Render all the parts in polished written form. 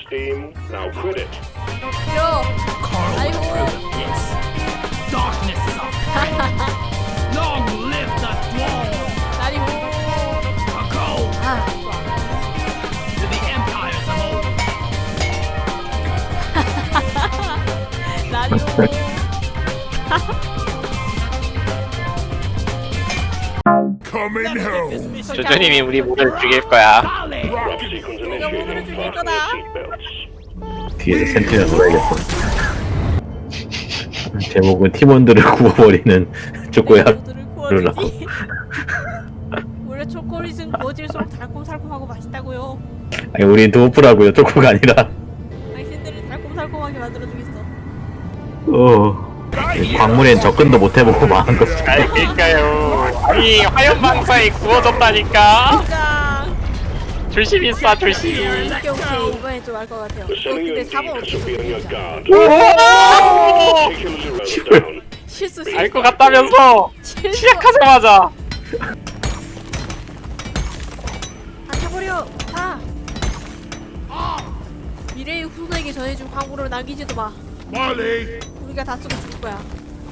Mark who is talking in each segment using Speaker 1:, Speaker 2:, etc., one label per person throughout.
Speaker 1: steam. Now quit it.
Speaker 2: 싫어. 아이고.
Speaker 3: Darkness is our friend. Long live the dwarf.
Speaker 2: 나리고.
Speaker 3: Go
Speaker 2: 아, 좋아.
Speaker 3: to the empires of old.
Speaker 2: 나리고.
Speaker 1: Coming home.
Speaker 4: 조조님이 우리 모두를 죽일 거야.
Speaker 3: Dolly.
Speaker 1: Drop sequence initiating. Fasten your seatbelts.
Speaker 5: 뒤에서 센트리가 돌아야겠어. 제목은 팀원들을 구워버리는 초코야.
Speaker 2: 모두를 구워주지. 원래 초콜릿은 구워질수록 달콤살콤하고 맛있다고요.
Speaker 5: 아니 우린 도프라고요. 초코가 아니라.
Speaker 2: 당신들을 달콤살콤하게 만들어주겠어.
Speaker 5: 광물엔 접근도 못 해보고 망한 거.
Speaker 4: 알릴까요? 아니 화염방사에 구워졌다니까.
Speaker 2: 짱.
Speaker 4: 조심히 쏴 조심히.
Speaker 2: 오케이 오케이 이번엔 좀 알 것 같아요.
Speaker 1: Sending
Speaker 2: 근데
Speaker 1: you
Speaker 2: 4번
Speaker 1: indeed to
Speaker 2: 어떻게
Speaker 1: be on your
Speaker 2: 되냐?
Speaker 1: guard.
Speaker 4: 오!
Speaker 1: Particularly road down.
Speaker 2: 실수 실수.
Speaker 4: 알 것 같다면서
Speaker 2: 실수.
Speaker 4: 시작하자마자.
Speaker 2: 다 타버려. 다. 미래의 후손에게 전해준 광고를 남기지도 마. 우리가 다 쓰고 죽을 거야.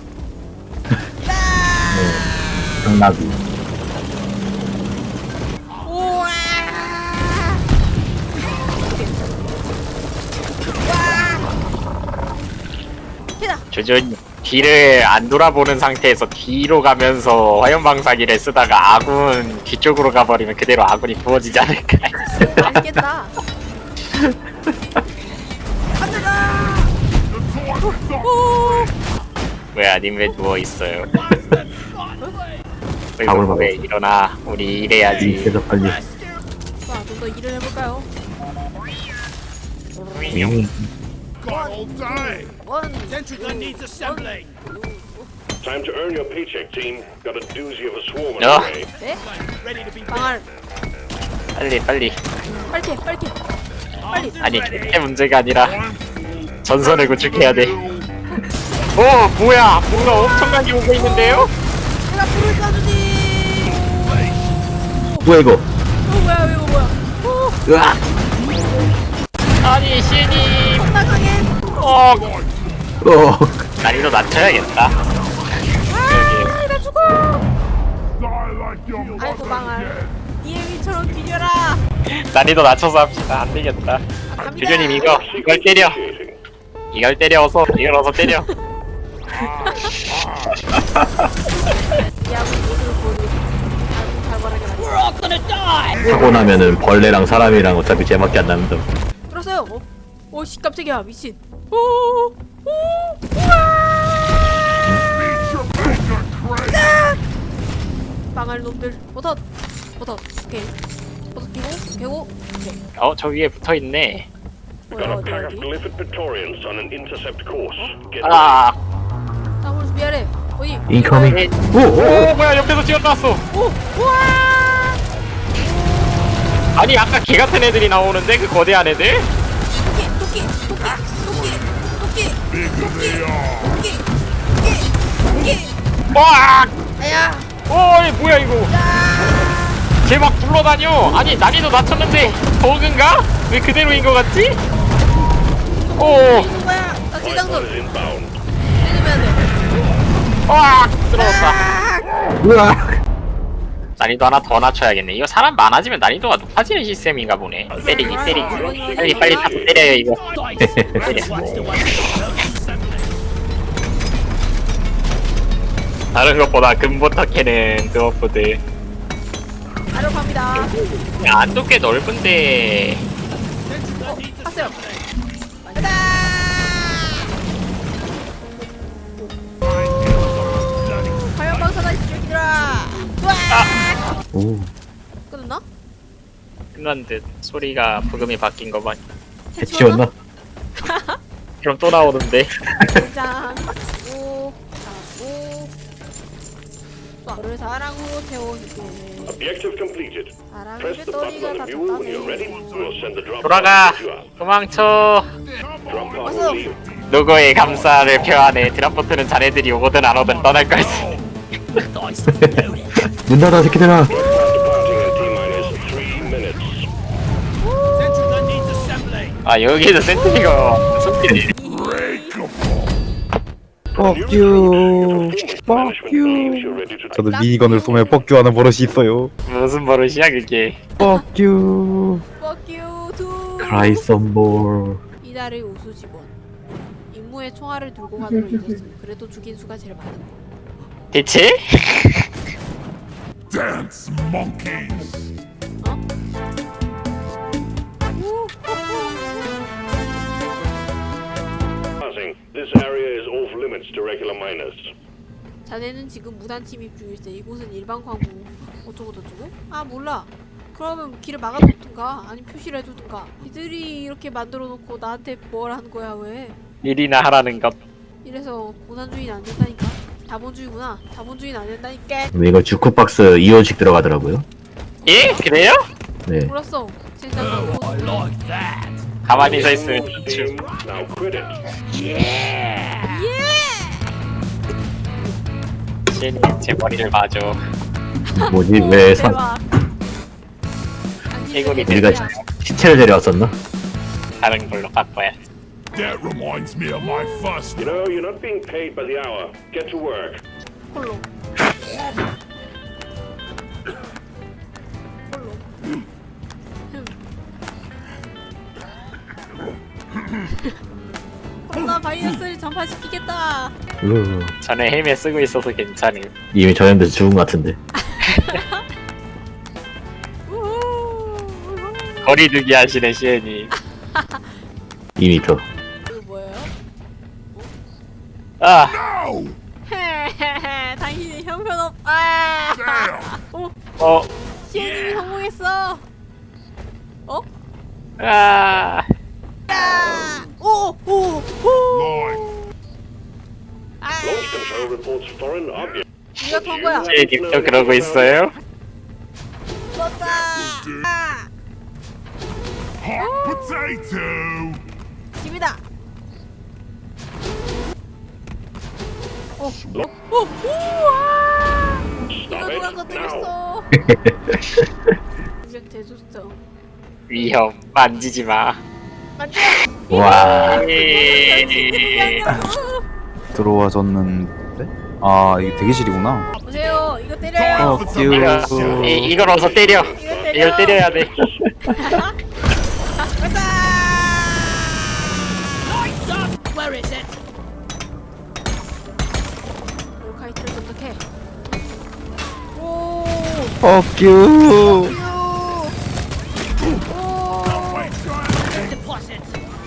Speaker 5: 장나비.
Speaker 2: 우와. 해다.
Speaker 4: 조조님 뒤를 안 돌아보는 상태에서 뒤로 가면서 화염방사기를 쓰다가 아군 뒤쪽으로 가버리면 그대로 아군이 부어지지 않을까.
Speaker 2: 맛있겠다.
Speaker 4: 뭐야 님 왜 누워있어요?
Speaker 5: 밥을 먹어.
Speaker 4: 왜 일어나 우리 일해야지.
Speaker 5: 그래서 빨리.
Speaker 2: 자, 좀 더 일을 해볼까요? 원.
Speaker 3: Sentry gun needs assembling.
Speaker 1: Time to earn your paycheck, team. Got a doozy of a swarm on
Speaker 4: No.
Speaker 1: the way.
Speaker 2: 네?
Speaker 3: Ready to be
Speaker 2: 방알.
Speaker 4: 빨리 빨리.
Speaker 2: 빨리 빨리. 빨리.
Speaker 4: 아니 그게 문제가 아니라 전선을 구축해야 돼. 뭐야 뭔가 엄청나게 오고 있는데요?
Speaker 2: 제가 불을 쏴주니.
Speaker 5: 뭐야 이거?
Speaker 2: 뭐야 이거 뭐야?
Speaker 5: 으악!
Speaker 4: 아니 시애님
Speaker 2: 나가게.
Speaker 4: 어 난이도
Speaker 5: 어.
Speaker 4: 낮춰야겠다.
Speaker 2: 아, 나 죽어. 아이고 방알. DM이처럼 비벼라.
Speaker 4: 난이도 낮춰서 합시다. 안 되겠다.
Speaker 2: 갑니다.
Speaker 4: 조조님 이걸 때려.
Speaker 1: Initiating.
Speaker 4: 이걸 때려 어서 이걸 어서 때려.
Speaker 2: 야구 모두 모두 살벌하게 만들.
Speaker 3: We're all gonna die.
Speaker 5: 사고 나면은 벌레랑 사람이랑 어차피 제밖에 안 남는다.
Speaker 2: 들었어요. 오씨 깜짝이야 미친. 오. 방알 놈들 버섯. 오케이. 버섯 개고. 오케이.
Speaker 4: 저 위에 붙어 있네.
Speaker 1: We got a pack of
Speaker 2: 어디?
Speaker 1: Glyphid Praetorians on an intercept course. Get
Speaker 4: 아,
Speaker 2: 땀을 준비하래. 어디?
Speaker 5: 인커밍. 오!
Speaker 4: 오 뭐야 옆에서 뛰어나왔어.
Speaker 2: 오. 우와.
Speaker 4: 아니 아까 개 같은 애들이 나오는데 그 거대한 애들?
Speaker 2: 토끼.
Speaker 4: 와!
Speaker 2: 아야.
Speaker 4: 이 뭐야 이거? 쟤 막 굴러다녀. 아니 난이도 낮췄는데 버그인가? 왜 그대로인 것 같지? 오,
Speaker 2: 이거 뭐야? 나
Speaker 1: Light
Speaker 2: 기장전.
Speaker 1: is inbound.
Speaker 2: 때리면 돼.
Speaker 4: 와, 쓰러졌다.
Speaker 5: 으악!
Speaker 4: 난이도 하나 더 낮춰야겠네. 이거 사람 많아지면 난이도가 높아지는 시스템인가 보네. 때리기. 빨리 다 때려요 이거. 다른 것보다 금부터 캐는 드워프들.
Speaker 2: 바로 갑니다.
Speaker 4: 야, 안도 꽤 넓은데.
Speaker 2: 봤어요. 가자. 과연 방사다 이 새끼들아.
Speaker 5: 오.
Speaker 2: 끊었나?
Speaker 4: 끝난 듯 소리가 부금이 바뀐 거 봐.
Speaker 5: 해치웠나?
Speaker 4: 그럼 또 나오는데.
Speaker 2: 장. 오. 오. 너를 사랑으로 태워줄게.
Speaker 1: Objective completed.
Speaker 2: 사랑의
Speaker 1: Press the button
Speaker 2: 배터리가
Speaker 1: on
Speaker 2: 다
Speaker 1: the mule when you're ready.
Speaker 2: 탔다네.
Speaker 1: We'll send the drop
Speaker 4: 돌아가.
Speaker 1: pod to pick you up.
Speaker 4: 도망쳐.
Speaker 1: Drop pod
Speaker 2: 왔어.
Speaker 1: will leave.
Speaker 4: 누구의 감사를 표하네. 드랍보트는 자네들이 오든 안 오든 떠날 걸세.
Speaker 5: 문 닫아 새끼들아.
Speaker 1: Departing in T-minus 3 minutes.
Speaker 3: Sentry gun needs assembling.
Speaker 4: 아 여기에서 센트리가 손길이.
Speaker 5: Fuck you. Fuck you. 저도 미니건을 쏘며 뻑큐하는 버릇이 있어요.
Speaker 4: 무슨 버릇이야 그게.
Speaker 5: Fuck you.
Speaker 2: Fuck you too.
Speaker 5: Cry some more.
Speaker 2: 이달의 우수 직원. 임무에 총알을 들고 가도록 잊었음. 그래도 죽인 수가 제일 많은.
Speaker 4: 대체?
Speaker 3: Dance, monkeys.
Speaker 1: Passing. This area is off limits to regular miners.
Speaker 2: 자네는 지금 무단 침입 중일세. 이곳은 일반 광부. 어쩌고 저쩌고? 아 몰라. 그러면 길을 막아놓든가 아니 표시를 해두든가. 이들이 이렇게 만들어놓고 나한테 뭘 하는 거야 왜?
Speaker 4: 일이나 하라는 것.
Speaker 2: 이래서 고난주의는 안 된다니까. 자본주의구나. 자본주의는 안 된다니까.
Speaker 5: 근데 이거 주크박스 2원씩 들어가더라고요.
Speaker 4: 예? 그래요?
Speaker 5: 네.
Speaker 2: 몰랐어. 젠장하고.
Speaker 3: I like that.
Speaker 4: 가만히 서 있으면
Speaker 1: Team,
Speaker 4: 춤.
Speaker 1: now quit it.
Speaker 4: 신이 제 머리를 봐줘.
Speaker 5: 뭐지? 왜 산?
Speaker 2: 대박.
Speaker 4: 해골이
Speaker 5: 우리가
Speaker 2: 대박.
Speaker 5: 시체를 데려왔었나?
Speaker 4: 다른 걸로 바꿔야지.
Speaker 3: That reminds me of my first.
Speaker 1: You know, you're not being paid by the hour. Get to work.
Speaker 2: 홀로. 홀로. 코로나 바이러스를 전파시키겠다.
Speaker 4: 전에 헬멧 쓰고 있어서 괜찮음.
Speaker 5: 이미 전염돼서 죽은 것 같은데.
Speaker 2: 우후.
Speaker 4: 거리두기 하시네 시엔이.
Speaker 5: 2m.
Speaker 2: 이거 뭐예요?
Speaker 4: 아
Speaker 3: No!
Speaker 2: 헤헤헤. 당신이 형편없. 아. 오.
Speaker 4: 어.
Speaker 2: 시현님이 성공했어. 어?
Speaker 4: 아.
Speaker 2: 야! 오! 오! 오!
Speaker 3: Line.
Speaker 2: 아!
Speaker 1: Launch control reports foreign objects.
Speaker 2: 네가 턴 거야.
Speaker 4: 시엔님도 그러고 있어요?
Speaker 2: 떴다. 아!
Speaker 3: Hot potato.
Speaker 2: 집이다. 우와! 이거
Speaker 1: Stop
Speaker 2: 누가
Speaker 1: it now.
Speaker 2: 건드렸어? 이제 대줬어.
Speaker 4: 위험 만지지 마.
Speaker 2: 만져.
Speaker 5: 와.
Speaker 4: 예.
Speaker 6: 들어와줬는데? 아 이게 대기실이구나.
Speaker 2: 보세요. 이거 때려요.
Speaker 6: Fuck you.
Speaker 4: 이걸 어서 때려.
Speaker 2: 이거 때려.
Speaker 4: 이걸 때려야 돼.
Speaker 2: 가자.
Speaker 3: Where is it?
Speaker 2: 몰카이트를 선택해. 오.
Speaker 6: Fuck you.
Speaker 2: 오.
Speaker 3: Deposit.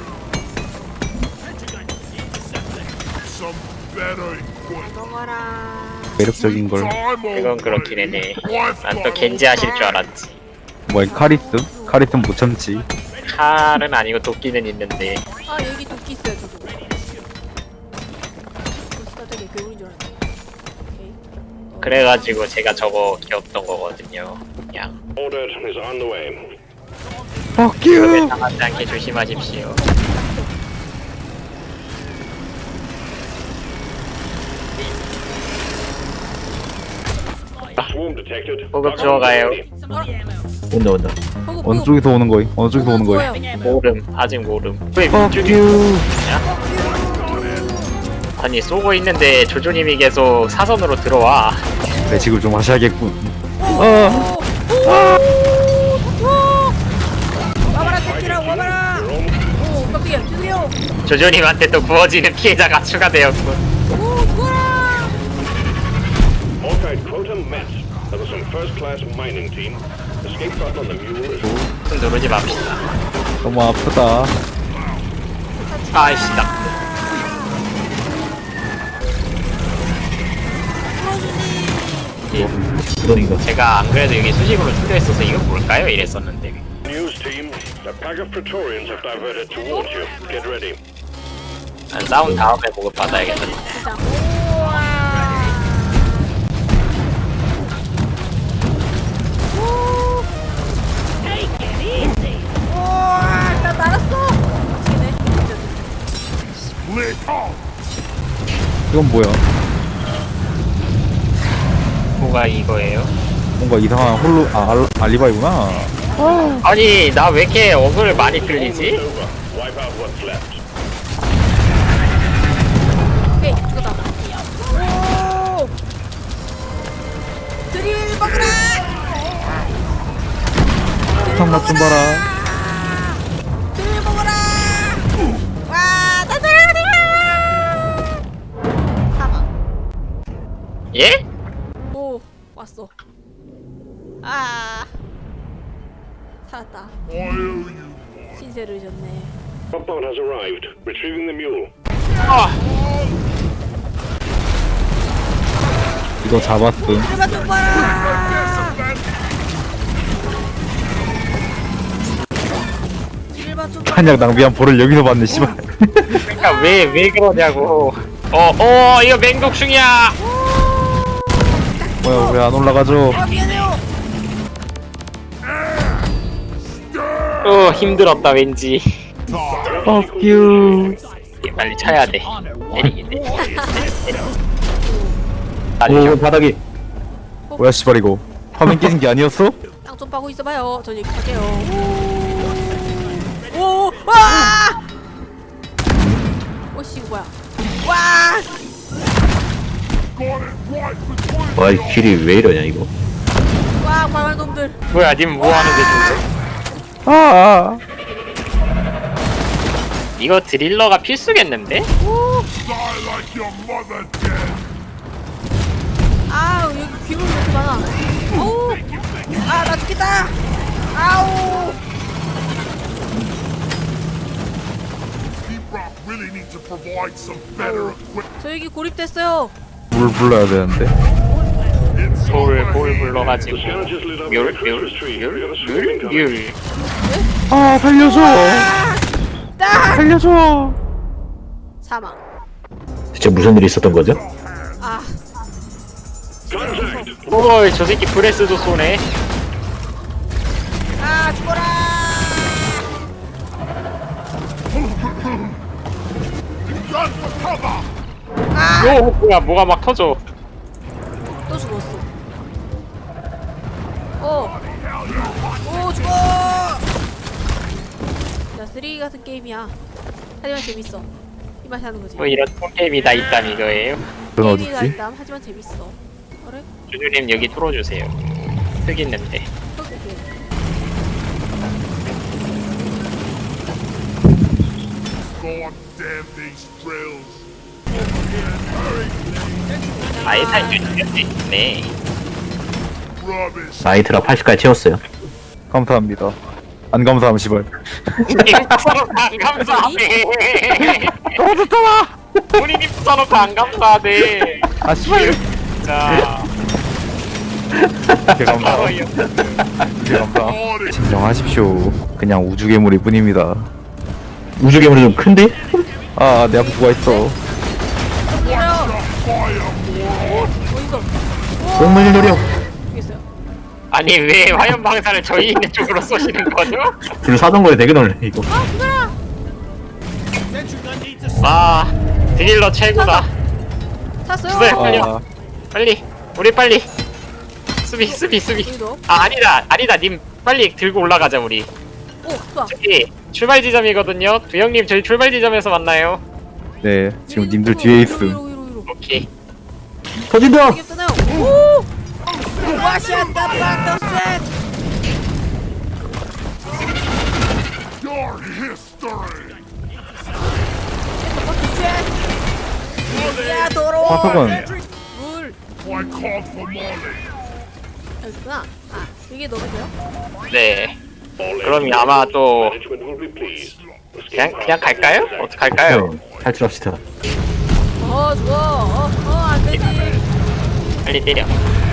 Speaker 3: Some better equipment.
Speaker 2: 넘어라.
Speaker 6: 매력적인 걸.
Speaker 4: 이건 그렇긴 해네. 난 또 겐지 하실 줄 알았지.
Speaker 6: 뭐 카리스? 카리스는 못 참지.
Speaker 4: 칼은 아니고 도끼는 있는데.
Speaker 2: 아 여기 도끼 있어요 저도. 도끼가 되게 괴물인 줄 알았네. 오케이.
Speaker 4: 그래가지고 제가 저거 귀엽던 거거든요. 그냥
Speaker 1: Ordered is on the way.
Speaker 6: Fuck
Speaker 4: 그에
Speaker 6: you.
Speaker 4: 당하지 않게 조심하십시오.
Speaker 1: Swarm detected.
Speaker 4: 보급 들어가요.
Speaker 5: 온다 온다.
Speaker 6: 어느 쪽에서 오는 거임? 어느 쪽에서 오는 거임?
Speaker 4: 모름 아직 모름. 왜
Speaker 6: Fuck
Speaker 4: 위쪽이
Speaker 6: you.
Speaker 4: 아니 쏘고 있는데 조조님이 계속 사선으로 들어와.
Speaker 6: 매직을 좀 하셔야겠군.
Speaker 2: 와봐라 도끼라 와봐라. 오 깜짝이야 주세요.
Speaker 4: 조조님한테 또 부어지는 피해자가 추가되었군.
Speaker 2: 오 죽어라.
Speaker 1: Morkite quota met. That was some first-class mining team. Escape button on the mule is
Speaker 4: 좀 누르지 맙시다.
Speaker 6: 너무 아프다.
Speaker 4: 아이씨 나.
Speaker 5: 그러니까.
Speaker 4: 제가 안 그래도 여기 수직으로 뚫려 있어서 이건 뭘까요? 이랬었는데.
Speaker 1: news team. A pack of Praetorians have diverted towards you. Get ready.
Speaker 4: 난 싸운 다음에 보급 받아야겠다.
Speaker 2: 진짜. 우와. 오. 우와 나 날았어. 미치겠네.
Speaker 3: Split off.
Speaker 6: 이건 뭐야?
Speaker 4: 뭐가 이거예요?
Speaker 6: 뭔가 이상한 홀로 알리바이구나.
Speaker 4: 아니 나 왜 이렇게 어글 많이 끌리지?
Speaker 1: Over. Wipe out what's left.
Speaker 2: 오케이 죽었다. 오! 드릴 먹으라!
Speaker 6: 탕맛 좀 봐라.
Speaker 2: 드릴 먹어라! 와, 나들! 사망.
Speaker 4: 예?
Speaker 2: 오, 왔어. 아, 살았다. 신세를 졌네.
Speaker 1: Drop pod has arrived. Retrieving the mule.
Speaker 4: 아,
Speaker 6: 이거 잡았음.
Speaker 2: 드릴만 좀 봐라! 드릴만 좀 봐라!
Speaker 5: 한약 낭비한 볼을 여기서 받네 씨발.
Speaker 4: 그러니까 왜 그러냐고. 이거 맹독충이야.
Speaker 5: 뭐야 왜 안 올라가죠?
Speaker 2: 아, 미안해요!
Speaker 4: 힘들었다 왠지.
Speaker 5: Fuck you.
Speaker 4: 빨리 쳐야 돼. 내리겠네.
Speaker 5: 오 바닥이. 뭐야 씨발 이거. 화면 깨진 게 아니었어?
Speaker 2: 땅 좀 파고 있어봐요. 전 여기 갈게요. 오! 와! 오씨 뭐야? 와!
Speaker 7: 와, 이 길이 왜 이러냐, 이거.
Speaker 2: 와, 발발 놈들.
Speaker 4: 뭐야, 님 뭐 하는데 지금?
Speaker 5: 아.
Speaker 4: 이거 드릴러가 필수겠는데?
Speaker 2: 아, 여기 귀물 왜 이렇게 많아? 오! 아, 나 죽겠다. 아우! 저 여기 고립됐어요.
Speaker 5: 물 불러야 되는데.
Speaker 4: 뭘 불러가지고.
Speaker 1: The scavengers lit up
Speaker 4: 뮬,
Speaker 1: the Christmas tree. We got a
Speaker 4: 뮬,
Speaker 1: sweeping coming.
Speaker 4: 뮬.
Speaker 5: 아 살려줘.
Speaker 2: 딱!
Speaker 5: 살려줘.
Speaker 2: 사망.
Speaker 7: 대체 무슨 일이 있었던 거죠?
Speaker 2: 아,
Speaker 1: Contact.
Speaker 4: 오이, 저 새끼 브레스도 쏘네.
Speaker 2: 아, 죽어라!
Speaker 4: 오, 뭐야, 뭐가 막 터져.
Speaker 2: 또 죽었어. 오, 죽어! 야, 쓰레기 같은 게임이야. 하지만 재밌어. 이 맛이 하는 거지.
Speaker 4: 뭐 이런 게임이 다 있담 이거예요.
Speaker 5: 넌
Speaker 2: 게임이 다
Speaker 5: 어딨지?
Speaker 2: 있담. 하지만 재밌어. 그래?
Speaker 4: 주주님 여기 뚫어주세요. 흙 있는데.
Speaker 2: 오케이.
Speaker 4: 아예 살려주겠네. 네.
Speaker 7: 나이트라 80까지 채웠어요.
Speaker 5: 감사합니다. 안 감사함 씨발.
Speaker 4: 안 감사하네. 떨어졌잖아. 본인이 붙여놓고 안 감사하네.
Speaker 5: 아 씨발.
Speaker 4: 자,
Speaker 5: 개 감사. 개 감사. 진정하십시오. 그냥 우주 괴물일 뿐입니다.
Speaker 7: 우주 괴물이 좀 큰데?
Speaker 5: 아 내 앞에 누가 있어.
Speaker 2: 어디서?
Speaker 7: 꽁물리 노력.
Speaker 2: 죽겠어요.
Speaker 4: 아니 왜 화염 방사를 저희 있는 쪽으로 쏘시는 거죠?
Speaker 7: 불 사던 거에 되게 놀래, 이거.
Speaker 4: 와, 드릴러 최고다.
Speaker 2: 샀어요.
Speaker 4: 주세요. 빨리요.
Speaker 5: 아
Speaker 4: 빨리, 우리 빨리. 수비.
Speaker 2: 여기도.
Speaker 4: 아, 아니다. 님 빨리 들고 올라가자 우리.
Speaker 2: 오, 좋아.
Speaker 4: 저기 출발 지점이거든요. 두영님 저희 출발 지점에서 만나요.
Speaker 5: 네 지금 님들 뒤에 있음.
Speaker 2: 위로.
Speaker 4: 오케이.
Speaker 7: 터진다!
Speaker 2: 이게 뜨나요? 오! 와시안다 박더셋. 야, 도로.
Speaker 5: 화석은
Speaker 2: 물. 여기구나. 아, 이게 넣으면 돼요?
Speaker 4: 네.
Speaker 1: All
Speaker 4: 그럼
Speaker 1: engines
Speaker 4: 아마 또
Speaker 1: management will be pleased. The
Speaker 4: 그냥 갈까요? 어떡할까요?
Speaker 7: 네, 탈출합시다.
Speaker 2: 죽어. 안 되지.
Speaker 4: 빨리 때려.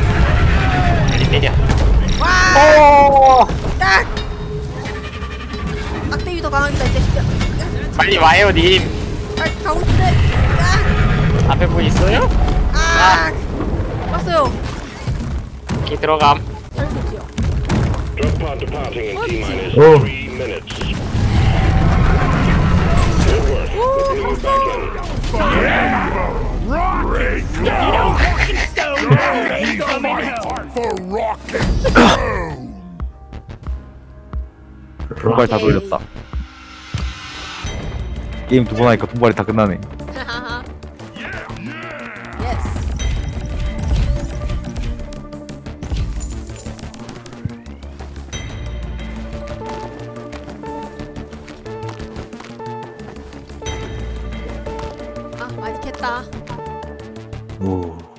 Speaker 2: 와! 딱! 악대위 더 강하겠다, 이 자식아.
Speaker 4: 빨리 와요 님.
Speaker 2: 아, 가고 싶네.
Speaker 4: 앞에 뭐 있어요?
Speaker 2: 왔어요.
Speaker 4: 오케이 들어감.
Speaker 2: 잘못이요.
Speaker 1: Drop pod departing in T-minus
Speaker 7: Oh.
Speaker 1: 3 minutes. Good work. We're putting you back in.
Speaker 5: 정말 다 돌렸다. 게임 두 번 하니까 분발이 다 끝나네.
Speaker 2: 예스. 아 많이 캤다.
Speaker 5: 오.